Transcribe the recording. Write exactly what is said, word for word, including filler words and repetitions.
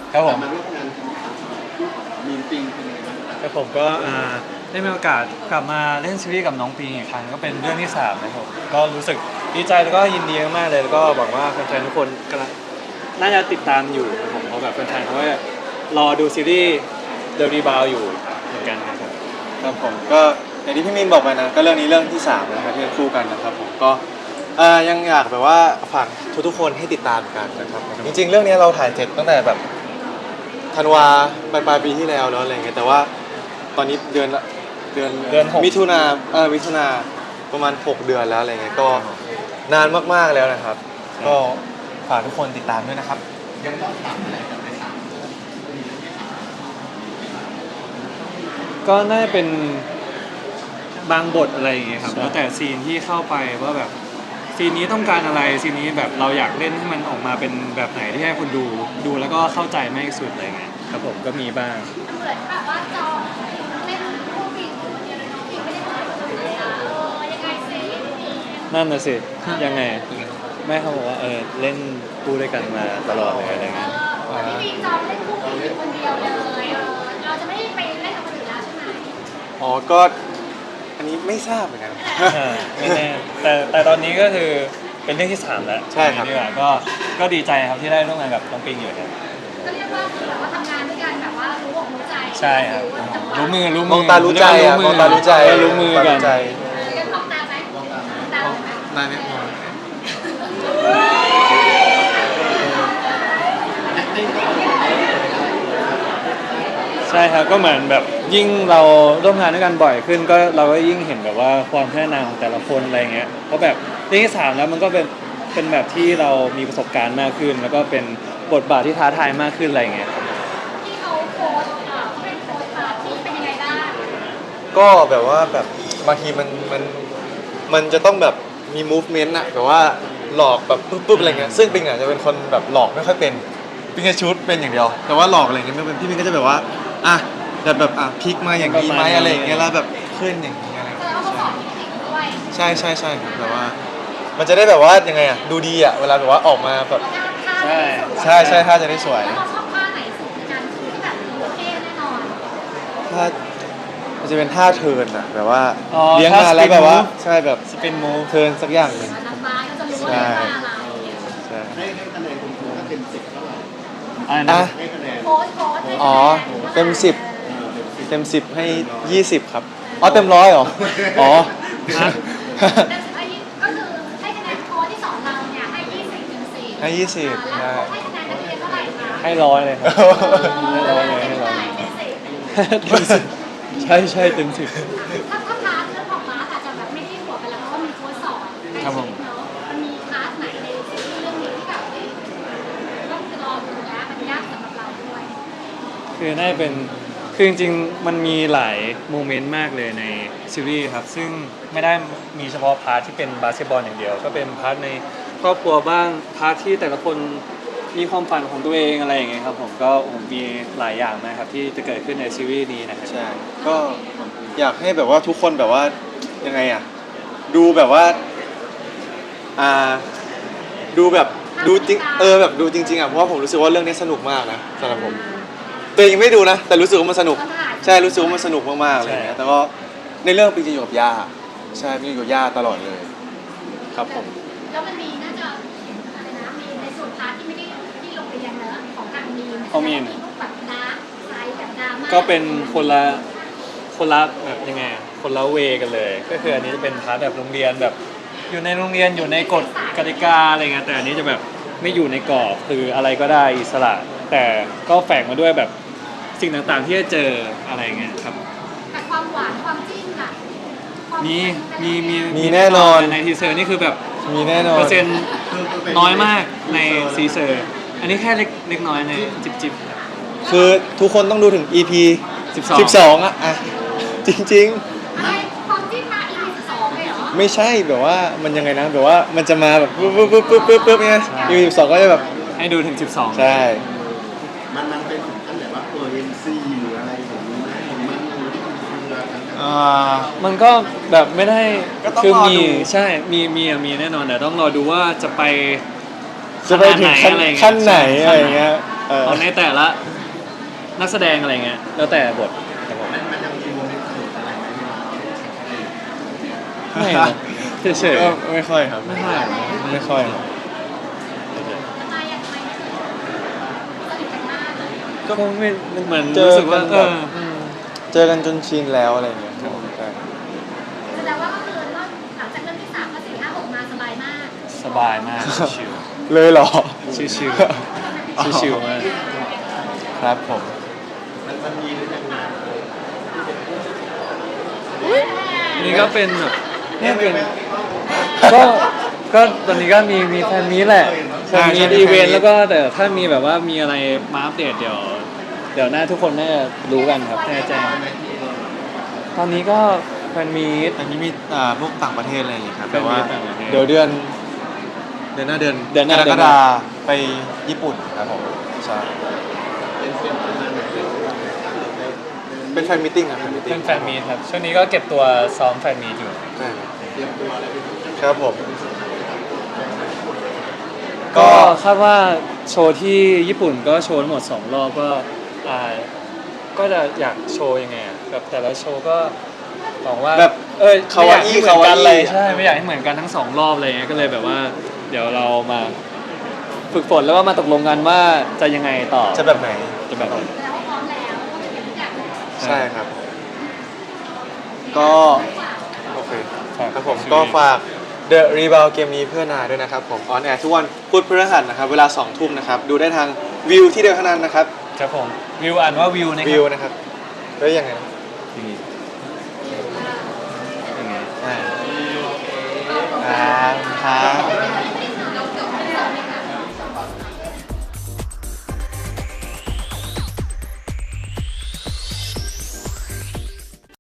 ครับผมมาร่วมงานกันครั้งคู่กับมีนปิงเป็นยังไงบ้างครับครับผมก็อ่าได้มีโอกาสกลับมาเล่นซีรีส์กับน้องปิงอีกครั้งก็เป็นเรื่องที่สามนะครับก็รู้สึกดีใจแล้วก็ยินดีมากๆเลยแล้วก็หวังว่าแฟนๆทุกคนกำลังน่าจะติดตามอยู่ครับผมเพราะแบบแฟนๆเขาก็รอดูซีรีส์เดอะรีบาวอยู่เหมือนกันนะครับครับผมก็อย่างที่พี่มินบอกไปนะก็เรื่องนี้เรื่องที่สามนะครับที่เป็นคู่กันนะครับผมก็เอ่อยังอยากแบบว่าฝากทุกๆคนให้ติดตามกันนะครับผมจริงๆเรื่องนี้เราถ่ายเสร็จตั้งแต่แบบธันวาปลายปลายปีที่แล้วเนาะอะไรเงี้ยแต่ว่าตอนนี้เดือนละเดือนเดือนหกมิถุนาเออมิถุนาประมาณหกเดือนแล้วอะไรเงี้ยก็นานมากๆแล้วนะครับก็ฝากทุกคนติดตามด้วยนะครับยังต้องปรับอะไรกับในสามก็น่าจะเป็นบางบทอะไรอย่างเงี้ยครับใช่แล้วแต่ซีนที่เข้าไปว่าแบบซีนนี้ต้องการอะไรซีนนี้แบบเราอยากเล่นให้มันออกมาเป็นแบบไหนที่ให้คนดูดูแล้วก็เข้าใจมากที่สุดอะไรเงี้ยครับผมก็มีบ้างเหมือนแบบว่าจองเล่นคู่ปิงคนเดียวเลยน้องปิงไม่ได้ถ่ายคนอื่นเลยอ่ะเออยังไงซินั่นน่ะสิยังไงแม่เขาบอกว่าเออเล่นคู่ด้วยกันมาตลอดเลยอะไรเอเงี้ยอพี่ปิงจองเล่นคู่ปิงอยู่คนเดียวเลยเออเราจะไม่ได้ไปเล่นกับคนอื่นแล้วใช่ไหมอ๋อก็อันนี้ไม่ทราบเหมือนกันอ่าไม่แน่แต่แต่ตอนนี้ก็คือเป็นเรื่องที่สามแล้วใช่ครับดีกว่าก็ก็ดีใจครับที่ได้ร่วมงานกับน้องปิงอยู่ครับก็เรียกว่าคือแบบว่าทำงานด้วยกันแบบว่ารู้อกรู้ใจใช่ครับจังหวะรู้มือรู้มมืองตารู้ใจอ่ะมองตารู้ใจเออรู้มือกันใจเออยังมองตาไหมมองตาไหมได้ไหมมองใช่ครับก็เหมือนแบบยิ่งเราร่วมงานด้วยกันบ่อยขึ้นก็เราก็ยิ่งเห็นแบบว่าความพัฒนาของแต่ละคนอะไรเงี้ยเพราะแบบเรื่องที่สามแล้วมันก็เป็นเป็นแบบที่เรามีประสบการณ์มากขึ้น แล้วก็เป็นบทบาทที่ท้าทายมากขึ้นอะไรเงี้ยที่เขาโพสต์อ่าเขาเป็นโพสต์ปาร์ตี้เป็นยังไงบ้างก็แบบว่าแบบบางทีมันมันมันจะต้องแบบมี movement อะแบบว่าหลอกแบบปุ๊บๆอะไรเงี้ยซึ่งปิงอะจะเป็นคนแบบหลอกไม่ค่อยเป็นปิงจะชุดเป็นอย่างเดียว แต่ว่าหลอกอะไรเงี้ยไม่เป็นพี่ปิงก็จะแบบว่าอ่ะแบบแบบอ่ะพลิกมาอย่างนี้ไหมอะไรอย่างเงี้ยแล้วแบบขึ้นอย่างนี้อะไรแสดงว่าเขาสอนเทคนิคด้วยใช่ใช่ใช่ครับแบบว่า มันจะได้แบบว่ายังไงอะดูดีอะเวลาแบบว่าออกมาแบบท่าท่าใช่ใช่ใช่ถ้าจะได้สวยแล้วเราชอบท่าไหนสุดในการคือที่แบบโอเคแน่นอนถ้ามันจะเป็นท่าเทิร์นอะแบบว่าอ๋อเลี้ยงท่ามาแล้ว spin แบบว่า move ใช่แบบสปินมูฟเทิร์นสักอย่างหนึ่งนางฟ้าก็จะรู้ว่าเป็นท่าอะไรใช่ให้ให้คะแนนคุณครูถ้าเต็มสิบเท่าไหร่อะไรอ่ะนะให้คะแนนโค้ชโค้ชให้คะแนนอ๋อเต็มสิบเออเต็มสิบเต็มสิบให้ยี่สิบครับอ๋อเต็มร้อยเหรออ๋อฮะเต็มสิบให้ยี่ก็คือให้คะแนนโค้ชที่สอนเราเนี่ยให้ยี่สิบเต็มสิบให้ยี่สิบแล้วใช่ให้คะแนนนักเรียนเท่าไหร่คะให้ร้อยเลยครับให้ร้อยเลยเต็ให้มร้อยเท่าไหร่เต็มสิบเต็มสิบใช่ใช่เต็มสิบถ้าถ้าพาร์ทเรื่องของมาร์ทอาจจะแบบไม่ได้หัวไปแล้วเพราะว่ามีโค้ชสอนในครับผมชีวิตเนาะมันมีพาร์ทไหนในซีรีส์เรื่องนี้ที่แบบเอ้ยต้องรอดูนะมันยากสำหรับเราด้วยคือน่าจะเป็นคือจริงๆมันมีหลายโมเมนต์มากเลยในซีรีส์ครับซึ่งไม่ได้มีเฉพาะพาร์ทที่เป็นบาสเกตบอลอย่างเดียว ก็เป็นพาร์ทในครอบครัวบ้างพาร์ทที่แต่ละคนมีความฝันของตัวเองอะไรอย่างเงี้ยครับผมก็ผมมีหลายอย่างมากครับที่จะเกิดขึ้นในซีรีส์นี้นะครับใช่ก็อยากให้แบบว่าทุกคนแบบว่ายังไงอ่ะดูแบบว่าอ่าดูแบบดูจริงเออแบบดูจริงๆอ่ะเพราะว่าผมรู้สึกว่าเรื่องนี้สนุกมากนะสำหรับผมตัวเองยังไม่ดูนะ แต่รู้สึกว่ามันสนุกใช่รู้สึกว่ามันสนุกมากๆอะไรอย่างเงี้ยแต่ก็ในเรื่องปิงจะอยู่กับย่าใช่ปิงอยู่กับย่าตลอดเลย ครับผมแล้วมันมีน่าจะอะไรนะมีในส่วนพาร์ทที่ไม่ได้ที่โรงเรียนเนอะของทางมีนของมีนพวกแบบดาร์กไซด์แบบดราม่าก็เป็นคนละคนละแบบยังไงอะคนละเวกันเลย ก็คืออันนี้จะเป็นพาร์ทแบบโรงเรียนแบบอยู่ในโรงเรียนอยู่ในกฎกติกาอะไรเงี้ยแต่อันนี้จะแบบไม่อยู่ในกรอบคืออะไรก็ได้อิสระ แต่ก็แฝงมาด้วยแบบสิ่งต่างๆที่จะเจออะไรเงี้ยครับแต่ความหวานความจิ้นล่ะความมีมีมีมีแน่นอนในทีเซอร์นี่คือแบบมีแน่นอนเปอร์เซ็นต์น้อยมากในทีเซอร์อันนี้แค่เล็กเล็กน้อยในจิบจิบคือทุกคนต้องดูถึง อี พีสิบสองสิบสองอ่ะอ่ะจริงอะไรความจิ้นมาอีพีสองเลยเหรอๆ ไม่ใช่แบบว่ามันยังไงนะแบบว่ามันจะมาแบบปุ๊บปุ๊บปุ๊บปุ๊บปุ๊บปุ๊บเนี่ย อี พี สิบสองก็จะแบบให้ดูถึงสิบสองใช่มันมันเป็นถึงขั้นแบบว่าเออเอ็นซีหรืออะไรอย่างนี้นะผมมันดูที่มันคือทั้งอ่ามันก็แบบไม่ได้ก็ต้องคือรอมีดูใช่มีมีอะมีแน่นอนแต่ต้องรอดูว่าจะไปจะไปถึงขั้นอะไรอย่างเงี้ยขั้นไหนใช่อะไรอย่างเงี้ยแเออของในแต่ละนักแสดงอะไรเงี้ยแล้วแต่บทครับผมมันมันยังมีโมเมนต์สนุกอะไรไหมไม่นะเฉยก็ไม่ค่อยครับไม่ค่อยไม่ค่อยครับทำไมอะทำไมถึงสนิทกันมากเลยๆก็ไม่เหมือนเจอรู้สึกว่ากันเอแบบอเจอกันจนชินแล้วอะไรอย่างเงี้ยครับใช่แสดงว่าก็คือรอบหลังจากเรื่องที่สามก็สี่ห้าหกมาสบายมากสบายมากชิวเลยเหรอชิวชิวๆชิวๆมากครับผมมันมันมีหรือยังไงนี่ก็เป็นแบบนี่เป็นก็ก็ตอนนี้ก็มีมีแฟนมีตแหละแฟนมีตอีเวนต์แล้วก็แต่ถ้ามีแบบว่ามีอะไรมาอัปเดตเดี๋ยว เดี๋ยวหน้าทุกคนน่าจะรู้กันครับแน่ใจตอนนี้ก็แฟนมีตอันนี้มีอ่าพวกต่างประเทศอะไรอย่างเงี้ยครับเป็นแต่ว่าต่างประเทศเดี๋ยวเดือน เดือนหน้าเดือนเดือนหน้ากรเดืกอนหน้าฎาไปญี่ปุ่นครับผมใช่เป็นเป็นประมาณไหนเป็นเป็นแฟนมิทติ้งครับแฟนมิทติ้เป็งนแฟนมีตครับช่วงนี้ก็เก็บตัวซ้อมแฟนมีตอยู่ใช่ครับเตรียมตัวอะไรเป็นพิเศษครับผมก็คาดว่าโชว์ที่ญี่ปุ่นก็โชว์ทั้งหมดสองรอบก็อ่าก็จะอยากโชว์ยังไงอะแบบแต่ละโชว์ก็หวังว่าแบบเออคาวาอี้ไม่อยกให้เหมือนกันเลยคาวาอี้ใช่ไม่อยากให้เหมือนกันทั้งสองรอบเลยก็เลยแบบว่า เดี๋ยวเรามาฝึกฝนแล้วก็มาตกลงกันว่าจะยังไงต่อจะแบบไหนจะแบบไหนแสดงว่าพร้อมแล้วก็จะเก็บทุกอย่างเลยใช่ครับ ก็ โอเคฝากครับผมซีรีส์ก็ฝาก The Rebound เกมนี้เพื่อนาด้วยนะครับผมออนแอร์ทุกวันพุธพฤหัสนะครับ เวลาสองทุ่มนะครับ ดูได้ทางวิวที่เดียวเท่านั้นนะครับครับผมวิวอ่านว่าวิวนะควิรัวบนะครับแล้วยังไงนะอย่างงี้อย่างงี้อ่าอ่าครับ